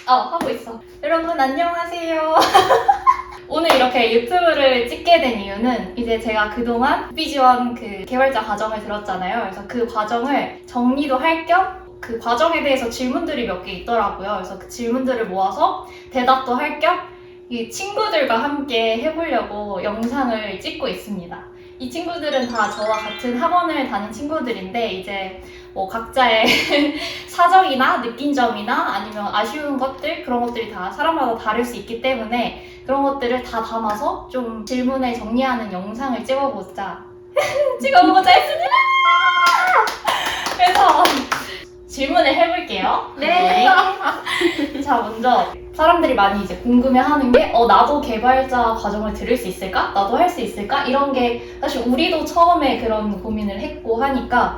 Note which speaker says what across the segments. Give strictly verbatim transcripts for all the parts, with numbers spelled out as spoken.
Speaker 1: 어, 하고 있어. 여러분 안녕하세요. 오늘 이렇게 유튜브를 찍게 된 이유는 이제 제가 그동안 비지원 그 개발자 과정을 들었잖아요. 그래서 그 과정을 정리도 할 겸 그 과정에 대해서 질문들이 몇 개 있더라고요. 그래서 그 질문들을 모아서 대답도 할 겸 이 친구들과 함께 해보려고 영상을 찍고 있습니다. 이 친구들은 다 저와 같은 학원을 다닌 친구들인데 이제 뭐 각자의 사정이나 느낀 점이나 아니면 아쉬운 것들 그런 것들이 다 사람마다 다를 수 있기 때문에 그런 것들을 다 담아서 좀 질문을 정리하는 영상을 찍어보자 찍어보자 했습니다. 그래서 질문을 해볼게요.
Speaker 2: 네.
Speaker 1: 자, 먼저 사람들이 많이 이제 궁금해하는 게 어, 나도 개발자 과정을 들을 수 있을까? 나도 할 수 있을까? 이런 게 사실 우리도 처음에 그런 고민을 했고 하니까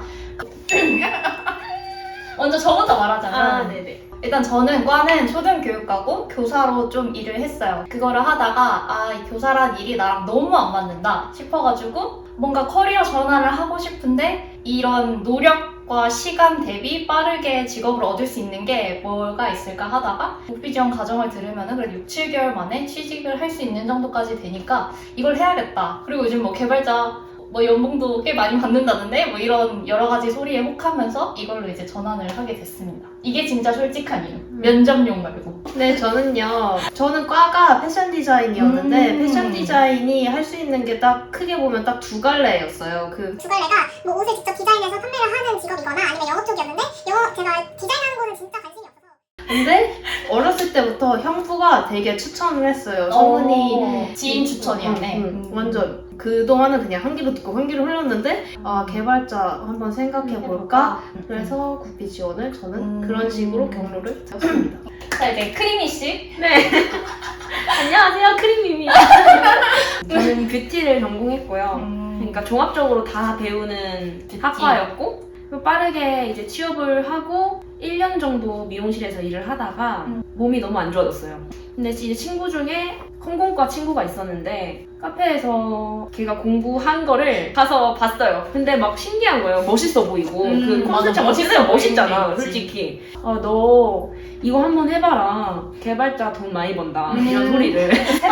Speaker 1: 먼저 저부터 말하자면
Speaker 2: 아, 네네.
Speaker 1: 일단 저는 과는 초등교육과고 교사로 좀 일을 했어요. 그거를 하다가 아, 이 교사란 일이 나랑 너무 안 맞는다 싶어가지고 뭔가 커리어 전환을 하고 싶은데 이런 노력과 시간 대비 빠르게 직업을 얻을 수 있는 게 뭐가 있을까 하다가 복비지원 과정을 들으면 그래도 육, 칠 개월 만에 취직을 할 수 있는 정도까지 되니까 이걸 해야겠다. 그리고 요즘 뭐 개발자 뭐 연봉도 꽤 많이 받는다는데 뭐 이런 여러 가지 소리에 혹하면서 이걸로 이제 전환을 하게 됐습니다. 이게 진짜 솔직한 이유. 면접용 말고.
Speaker 2: 네, 저는요. 저는 과가 패션 디자인이었는데
Speaker 1: 음.
Speaker 2: 패션 디자인이 할 수 있는 게 딱 크게 보면 딱 두 갈래였어요. 그
Speaker 3: 두 갈래가 뭐 옷을 직접 디자인해서 판매를 하는 직업이거나 아니면 영어 쪽이었는데 영어 제가 디자인하는 거는 진짜 관심이 없어서
Speaker 2: 근데 어렸을 때부터 형부가 되게 추천을 했어요. 성은이
Speaker 1: 어, 지인 추천이었네.
Speaker 2: 응, 응, 응. 완전 그동안은 그냥 한 귀로 듣고 한 귀로 흘렸는데 아 개발자 한번 생각해 볼까? 그래서 국비 지원을 저는
Speaker 1: 음.
Speaker 2: 그런 식으로 경로를 잡습니다.
Speaker 1: 자, 이제 크리미 씨.
Speaker 2: 네. 안녕하세요, 크림입니다. 저는 뷰티를 전공했고요.
Speaker 1: 음.
Speaker 2: 그러니까 종합적으로 다 배우는 학과였고 빠르게 이제 취업을 하고 일 년 정도 미용실에서 일을 하다가
Speaker 1: 음.
Speaker 2: 몸이 너무 안 좋아졌어요. 근데 이제 친구 중에 컴공과 친구가 있었는데 카페에서 걔가 공부한 거를 가서 봤어요. 근데 막 신기한 거예요. 멋있어 보이고
Speaker 1: 음,
Speaker 2: 그
Speaker 1: 맞아.
Speaker 2: 콘셉트
Speaker 1: 멋있어
Speaker 2: 멋있어
Speaker 1: 보이는
Speaker 2: 멋있잖아
Speaker 1: 게 있지.
Speaker 2: 솔직히. 아, 너 이거 한번 해봐라. 개발자 돈 많이 번다.
Speaker 1: 음.
Speaker 2: 이런 소리를.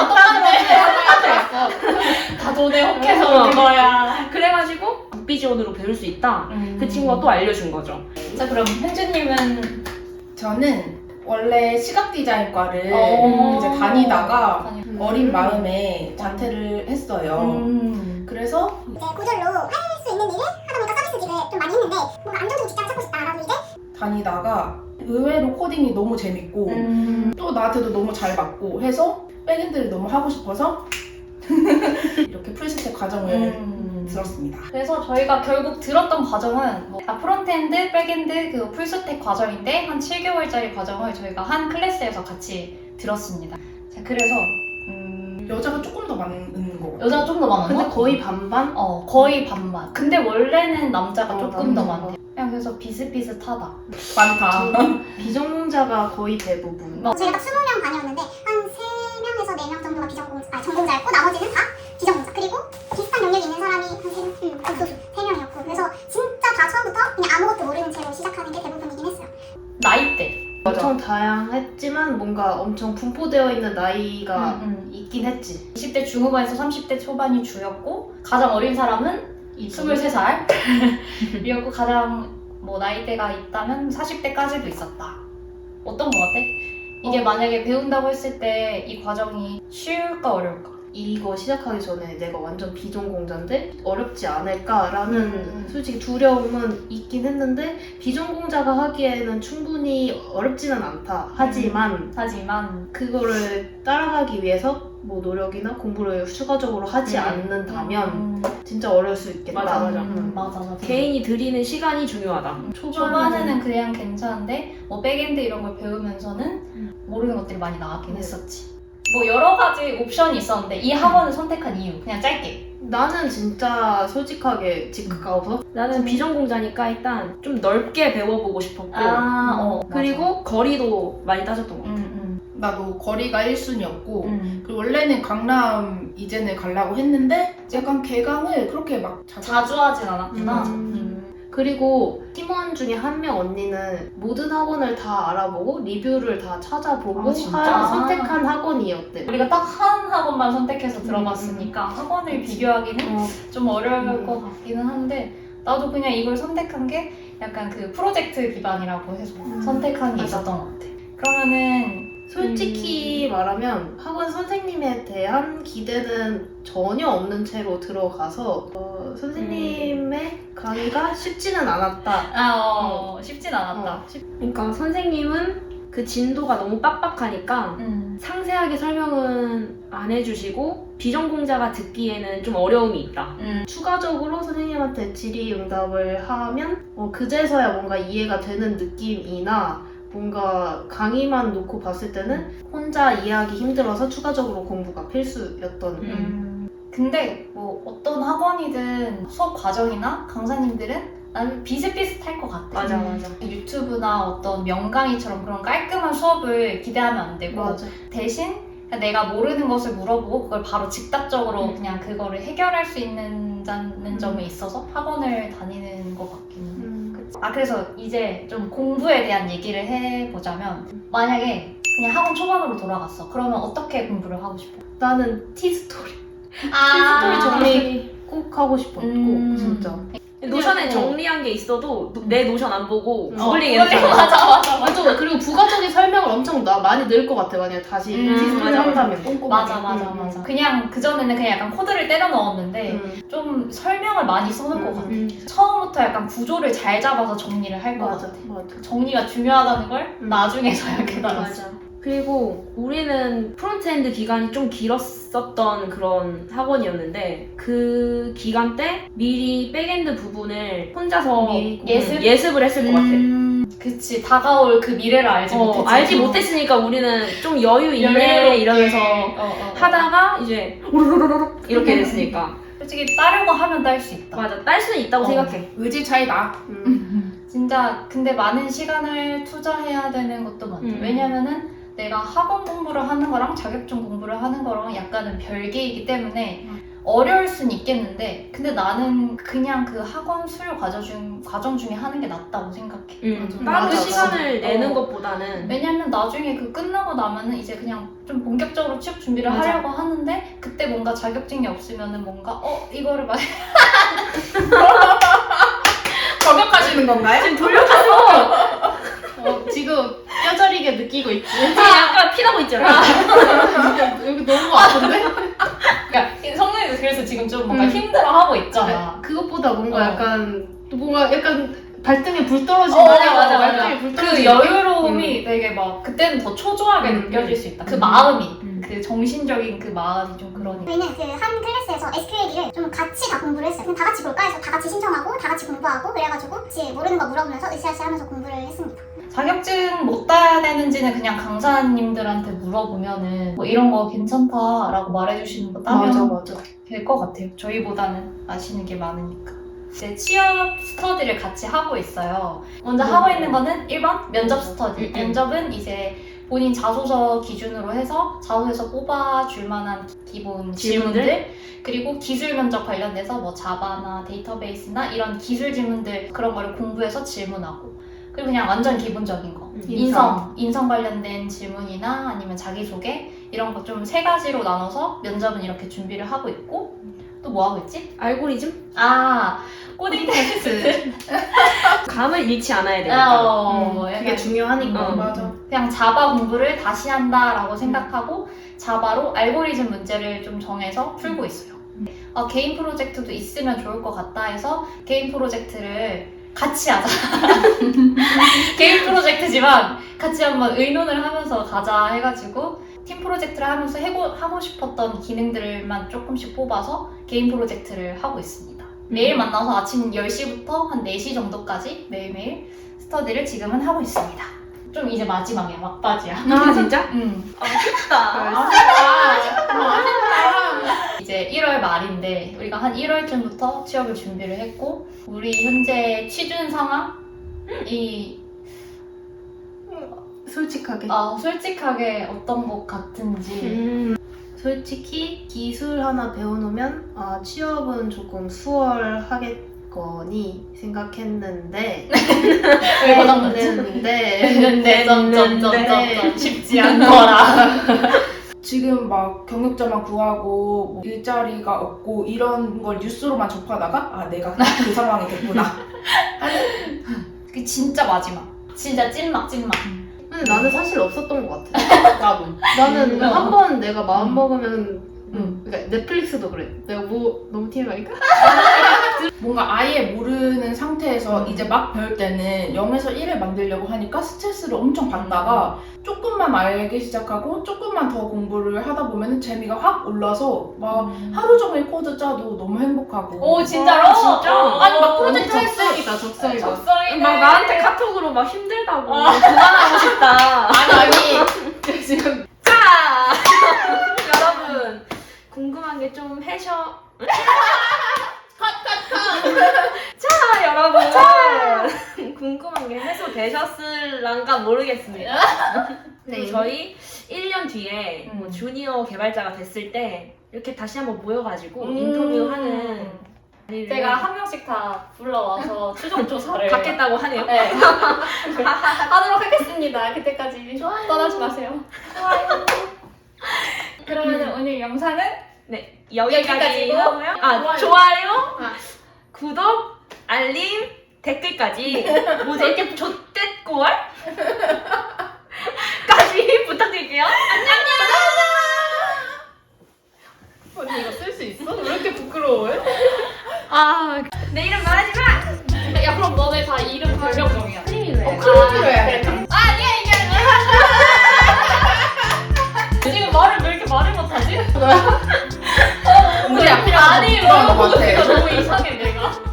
Speaker 1: 다 돈에 혹해서
Speaker 2: 어.
Speaker 1: 그런 거야.
Speaker 2: 그래가지고 국비 지원으로 배울 수 있다.
Speaker 1: 음.
Speaker 2: 그 친구가 또 알려준 거죠.
Speaker 1: 자, 그럼 현주님은
Speaker 4: 저는 원래 시각 디자인과를
Speaker 1: 어.
Speaker 4: 이제 다니다가
Speaker 1: 아니,
Speaker 2: 음.
Speaker 4: 어린 마음에 자퇴를 했어요.
Speaker 1: 음.
Speaker 4: 그래서
Speaker 3: 이제 고졸로 할 수 있는 일을 하다 보니까 서비스직을 좀 많이 했는데 뭔가 안정적인 직장 찾고 싶다라고 이제
Speaker 4: 다니다가 의외로 코딩이 너무 재밌고
Speaker 1: 음.
Speaker 4: 또 나한테도 너무 잘 맞고 해서 백엔드를 너무 하고 싶어서 이렇게 풀스택 과정을
Speaker 1: 음.
Speaker 4: 들었습니다.
Speaker 1: 그래서 저희가 결국 들었던 과정은 뭐 아, 프론트엔드, 백엔드, 그 풀스택 과정인데 한 칠 개월짜리 과정을 저희가 한 클래스에서 같이 들었습니다. 자, 그래서 음,
Speaker 4: 여자가 조금 더 많은 것 같아요.
Speaker 1: 여자가 좀 더 많았나?
Speaker 2: 근데 거의 반반?
Speaker 1: 어, 거의 반반. 근데 원래는 남자가
Speaker 2: 어,
Speaker 1: 조금 더
Speaker 2: 남자가.
Speaker 1: 많대. 그냥 그래서 비슷비슷하다.
Speaker 4: 많다.
Speaker 2: 비전공자가 거의 대부분.
Speaker 1: 어.
Speaker 3: 저희가 딱 스무 명 반이었는데 한 세 명에서 네 명 정도가 비전공자, 아니 전공자였고 나머지는 다 비전공자. 그리고 비슷한 경력이 있는 사람이 한 세 명, 음, 극소수 세 명이었고 그래서 진짜 다 처음부터 그냥 아무것도 모르는 채로 시작하는 게 대부분이긴 했어요.
Speaker 1: 나이대.
Speaker 2: 엄청 다양했지만 뭔가 엄청 분포되어 있는 나이가
Speaker 1: 음, 음.
Speaker 2: 있긴 했지.
Speaker 1: 이십 대 중후반에서 삼십 대 초반이 주였고 가장 어린 사람은 스물세 살 이었고 가장 뭐 나이대가 있다면 사십 대까지도 있었다. 어떤 거 같아? 이게
Speaker 2: 어.
Speaker 1: 만약에 배운다고 했을 때 이 과정이 쉬울까 어려울까?
Speaker 2: 이거 시작하기 전에 내가 완전 비전공자인데 어렵지 않을까라는
Speaker 1: 음.
Speaker 2: 솔직히 두려움은 있긴 했는데 비전공자가 하기에는 충분히 어렵지는 않다. 하지만
Speaker 1: 하지만
Speaker 2: 그거를 따라가기 위해서 뭐 노력이나 공부를 추가적으로 하지
Speaker 1: 음.
Speaker 2: 않는다면
Speaker 1: 음.
Speaker 2: 진짜 어려울 수 있겠다.
Speaker 1: 맞아,
Speaker 2: 음.
Speaker 1: 음, 맞아, 맞아.
Speaker 2: 개인이 들이는 시간이 중요하다.
Speaker 1: 초반에는 그냥 괜찮은데 뭐 백엔드 이런 걸 배우면서는
Speaker 2: 음.
Speaker 1: 모르는 것들이 많이 나왔긴
Speaker 2: 네.
Speaker 1: 했었지. 뭐 여러 가지 옵션이 있었는데 이 학원을 선택한 이유 그냥 짧게.
Speaker 2: 나는 진짜 솔직하게 집 가까워서 나는
Speaker 1: 음.
Speaker 2: 비전공자니까 일단 좀 넓게 배워보고 싶었고
Speaker 1: 아, 어,
Speaker 2: 그리고 거리도 많이 따졌던 것 같아.
Speaker 1: 음,
Speaker 4: 나도 거리가 일 순위였고
Speaker 1: 음.
Speaker 4: 그리고 원래는 강남 이젠을 가려고 했는데 약간 개강을 그렇게 막 자주
Speaker 1: 자주 하진 않았구나.
Speaker 2: 음.
Speaker 1: 음.
Speaker 5: 그리고 팀원 중에 한 명 언니는 모든 학원을 다 알아보고 리뷰를 다 찾아보고
Speaker 4: 아, 진짜?
Speaker 5: 하- 선택한 학원이었대.
Speaker 1: 우리가 딱 한 학원만 선택해서 들어갔으니까 학원을 비교하기는
Speaker 5: 어,
Speaker 1: 좀 어려울
Speaker 5: 음.
Speaker 1: 것 같기는 한데 나도 그냥 이걸 선택한 게 약간 그 프로젝트 기반이라고 해서 선택한 게
Speaker 5: 맞아.
Speaker 1: 있었던 것 같아. 그러면은
Speaker 5: 솔직히 말하면 학원 선생님에 대한 기대는 전혀 없는 채로 들어가서 어, 선생님의 강의가 쉽지는 않았다.
Speaker 1: 아, 어, 쉽진 않았다.
Speaker 5: 어, 쉽-
Speaker 2: 그러니까 선생님은 그 진도가 너무 빡빡하니까
Speaker 1: 음.
Speaker 2: 상세하게 설명은 안 해주시고 비전공자가 듣기에는 좀 어려움이 있다.
Speaker 1: 음.
Speaker 5: 추가적으로 선생님한테 질의응답을 하면 어, 그제서야 뭔가 이해가 되는 느낌이나 뭔가 강의만 놓고 봤을 때는 혼자 이해하기 힘들어서 추가적으로 공부가 필수였던
Speaker 1: 음. 근데 뭐 어떤 학원이든 수업 과정이나 강사님들은 나는 비슷비슷할 것 같아.
Speaker 2: 맞아,
Speaker 1: 음.
Speaker 2: 맞아.
Speaker 1: 유튜브나 어떤 명강의처럼 그런 깔끔한 수업을 기대하면 안 되고
Speaker 5: 맞아.
Speaker 1: 대신 내가 모르는 것을 물어보고 그걸 바로 즉답적으로
Speaker 2: 음.
Speaker 1: 그냥 그거를 해결할 수 있는
Speaker 5: 음.
Speaker 1: 점에 있어서 학원을 다니는 것 같기는 해.
Speaker 5: 음.
Speaker 1: 아 그래서 이제 좀 공부에 대한 얘기를 해보자면 만약에 그냥 학원 초반으로 돌아갔어. 그러면 어떻게 공부를 하고 싶어?
Speaker 5: 나는 티스토리
Speaker 1: 아,
Speaker 5: 스토리 정리 꼭 하고 싶었고
Speaker 1: 음.
Speaker 5: 진짜
Speaker 2: 노션에
Speaker 5: 어.
Speaker 2: 정리한 게 있어도 노- 내 노션 안 보고
Speaker 5: 음.
Speaker 2: 구글링
Speaker 1: 어,
Speaker 2: 해서
Speaker 1: 맞아 맞아 맞아.
Speaker 5: 맞아. 그리고 부가적인 설명을 엄청 나, 많이 늘 것 같아. 만약 다시
Speaker 1: 음,
Speaker 5: 티스토리
Speaker 2: 맞아,
Speaker 5: 한다면.
Speaker 1: 맞아 맞아
Speaker 5: 음,
Speaker 1: 맞아. 그냥 그전에는 그냥 약간 코드를 때려 넣었는데
Speaker 5: 음.
Speaker 1: 좀 설명을 많이 써놓을
Speaker 5: 음,
Speaker 1: 것 같아.
Speaker 2: 음.
Speaker 1: 처음부터 약간 구조를 잘 잡아서 정리를 할 것
Speaker 5: 맞아,
Speaker 1: 같아.
Speaker 5: 맞아.
Speaker 1: 정리가 중요하다는 걸
Speaker 5: 음.
Speaker 1: 나중에서야 깨달았어.
Speaker 5: 맞아.
Speaker 2: 그리고 우리는 프론트엔드 기간이 좀 길었었던 그런 학원이었는데 그 기간 때 미리 백엔드 부분을 혼자서
Speaker 5: 미리
Speaker 2: 음,
Speaker 1: 예습?
Speaker 2: 예습을 했을 것 같아.
Speaker 1: 음, 그치. 다가올 그 미래를 알지
Speaker 2: 어,
Speaker 1: 못했지.
Speaker 2: 알지 못했으니까 우리는 좀 여유 있네
Speaker 1: 여유롭게.
Speaker 2: 이러면서
Speaker 1: 어, 어, 어.
Speaker 2: 하다가 이제 오르르르르 이렇게 됐으니까
Speaker 1: 솔직히 따르고 하면 딸 수 있다.
Speaker 2: 맞아 딸 수는 있다고
Speaker 1: 어.
Speaker 2: 생각해.
Speaker 4: 의지 차이다.
Speaker 5: 음.
Speaker 1: 진짜 근데 많은 시간을 투자해야 되는 것도 많다.
Speaker 2: 음.
Speaker 1: 왜냐면은 내가 학원 공부를 하는 거랑 자격증 공부를 하는 거랑 약간은 별개이기 때문에 어려울 순 있겠는데 근데 나는 그냥 그 학원 수료 과정, 중, 과정 중에 하는 게 낫다고 생각해.
Speaker 2: 음,
Speaker 5: 맞아.
Speaker 2: 따로
Speaker 1: 맞아.
Speaker 2: 시간을 내는
Speaker 1: 어.
Speaker 2: 것보다는
Speaker 1: 왜냐면 나중에 그 끝나고 나면은 이제 그냥 좀 본격적으로 취업 준비를
Speaker 2: 맞아.
Speaker 1: 하려고 하는데 그때 뭔가 자격증이 없으면은 뭔가 어 이거를 막
Speaker 4: 저격하시는 건가요?
Speaker 2: 지금 돌려갔어.
Speaker 5: 어, 지금 뼈저리게 느끼고 있지.
Speaker 2: 지금 약간 피나고 있잖아.
Speaker 5: 여기 너무 아픈데?
Speaker 1: 그러니까 성능이 그래서 지금 좀 뭔가
Speaker 5: 음.
Speaker 1: 힘들어하고 있잖아.
Speaker 5: 그것보다 뭔가
Speaker 1: 어.
Speaker 5: 약간 뭔가 약간 발등에 불 떨어지는
Speaker 1: 어, 맞아, 맞아, 맞아.
Speaker 5: 발등에 불
Speaker 1: 그
Speaker 5: 떨어지는
Speaker 1: 여유로움이 되게 막 그때는 더 초조하게
Speaker 5: 음,
Speaker 1: 느껴질 수 있다. 그
Speaker 2: 음.
Speaker 1: 마음이
Speaker 2: 음.
Speaker 1: 그 정신적인 그 마음이 좀 그러니까.
Speaker 3: 저희는 그 한 클래스에서 에스큐엘을 좀 같이 다 공부를 했어요. 그냥 다 같이 볼까 해서 다 같이 신청하고 다 같이 공부하고 그래가지고 같이 모르는 거 물어보면서 으쌰으쌰 하면서 공부를 했습니다.
Speaker 1: 자격증 못 따야 되는지는 그냥 강사님들한테 물어보면은 뭐 이런 거 괜찮다라고 말해주시는 거 따면
Speaker 5: 맞아 맞아.
Speaker 1: 될 것 같아요. 저희보다는 아시는 게 많으니까. 이제 취업 스터디를 같이 하고 있어요. 먼저
Speaker 5: 음.
Speaker 1: 하고 있는 거는 일 번 면접 스터디.
Speaker 2: 음, 음.
Speaker 1: 면접은 이제 본인 자소서 기준으로 해서 자소에서 뽑아줄 만한 기본 질문들,
Speaker 2: 질문들?
Speaker 1: 그리고 기술 면접 관련돼서 뭐 자바나 데이터베이스나 이런 기술 질문들 그런 거를 공부해서 질문하고 그리고 그냥 완전 기본적인 거
Speaker 2: 음.
Speaker 1: 인성, 인성 관련된 질문이나 아니면 자기소개 이런 거 좀 세 가지로 나눠서 면접은 이렇게 준비를 하고 있고 또 뭐 하고 있지?
Speaker 2: 알고리즘?
Speaker 1: 아 코딩 테스트.
Speaker 2: 감을 잃지 않아야 되니까.
Speaker 1: 어,
Speaker 5: 음,
Speaker 1: 약간
Speaker 5: 그게 중요하니까.
Speaker 2: 음.
Speaker 4: 맞아.
Speaker 1: 그냥 자바 공부를 다시 한다라고 생각하고 자바로 알고리즘 문제를 좀 정해서 풀고 있어요. 아, 개인 프로젝트도 있으면 좋을 것 같다 해서 개인 프로젝트를 같이 하자. 개인 프로젝트지만 같이 한번 의논을 하면서 가자 해가지고 팀 프로젝트를 하면서 해고, 하고 싶었던 기능들만 조금씩 뽑아서 개인 프로젝트를 하고 있습니다. 매일 만나서 아침 열 시부터 한 네 시 정도까지 매일매일 스터디를 지금은 하고 있습니다. 좀 이제 마지막이야, 막바지야.
Speaker 2: 아 진짜?
Speaker 1: 음.
Speaker 2: 아쉽다.
Speaker 1: 이제 일월 말인데 우리가 한 일월쯤부터 취업을 준비를 했고 우리 현재 취준 상황이
Speaker 5: 솔직하게.
Speaker 1: 아, 솔직하게 어떤 것 같은지
Speaker 2: 음.
Speaker 5: 솔직히 기술 하나 배워놓으면 아, 취업은 조금 수월하겠 거니 생각했는데
Speaker 1: 왜 고장났지?
Speaker 5: 했는데
Speaker 1: 했는데 점점점점점 쉽지 않더라.
Speaker 4: 지금 막 경력자만 구하고 뭐 일자리가 없고 이런 걸 뉴스로만 접하다가 아 내가 그 상황이 됐구나.
Speaker 1: 그 진짜 마지막. 진짜 찐막 찐막.
Speaker 5: 근데 나는 사실 없었던 것 같아.
Speaker 2: 나도.
Speaker 5: 나는
Speaker 1: 음.
Speaker 5: 한 번 내가 마음 먹으면
Speaker 4: 음.
Speaker 5: 그러니까 넷플릭스도 그래. 내가 뭐 너무 티엠아이니까?
Speaker 4: 뭔가 아예 모르는 상태에서
Speaker 1: 음.
Speaker 4: 이제 막 배울 때는 영에서 일을 만들려고 하니까 스트레스를 엄청 받다가 조금만 알기 시작하고 조금만 더 공부를 하다 보면 재미가 확 올라서 막 하루 종일 코드 짜도 너무 행복하고.
Speaker 1: 오 진짜로?
Speaker 2: 아, 진짜?
Speaker 1: 아니 막 프로젝트 할 때.
Speaker 5: 적성이다 적성이다.
Speaker 1: 적성이네.
Speaker 2: 막 나한테 카톡으로 막 힘들다고 그만하고 싶다.
Speaker 1: 아니 아니.
Speaker 2: 지금 자 여러분 궁금한 게 좀 해셔. 자 여러분 궁금한 게 해소되셨을란가 모르겠습니다. 네, 저희 일 년 뒤에 뭐
Speaker 1: 음.
Speaker 2: 주니어 개발자가 됐을 때 이렇게 다시 한번 모여가지고
Speaker 1: 음.
Speaker 2: 인터뷰하는
Speaker 1: 제가 한 명씩 다 불러와서 추적 조사를
Speaker 2: 받겠다고 하네요.
Speaker 1: 네. 하도록 하겠습니다. 그때까지 떠나지 마세요. 좋아요. 그러면 오늘 영상은
Speaker 2: 네, 여기까지
Speaker 1: 여기까지고.
Speaker 2: 하고요. 아,
Speaker 1: 좋아요.
Speaker 2: 좋아요,
Speaker 1: 아.
Speaker 2: 구독, 알림, 댓글까지 뭐지 이렇게 좆댓골 까지 부탁드릴게요.
Speaker 5: 언니 이거 쓸 수 있어? 왜 이렇게 부끄러워해?
Speaker 2: 아, 내 이름 말하지 마.
Speaker 1: 야 그럼 너네 다 이름 별명 정이야.
Speaker 2: 크림이네.
Speaker 1: 아,
Speaker 4: 크림으로 해야 돼.
Speaker 1: 아니야 이게 아니야. 지금 말을 왜 이렇게 말을 못하지?
Speaker 4: 우리 앞이랑
Speaker 1: 아니
Speaker 4: 그런 것
Speaker 1: 뭐
Speaker 4: 같아.
Speaker 1: 너무 이상해 내가.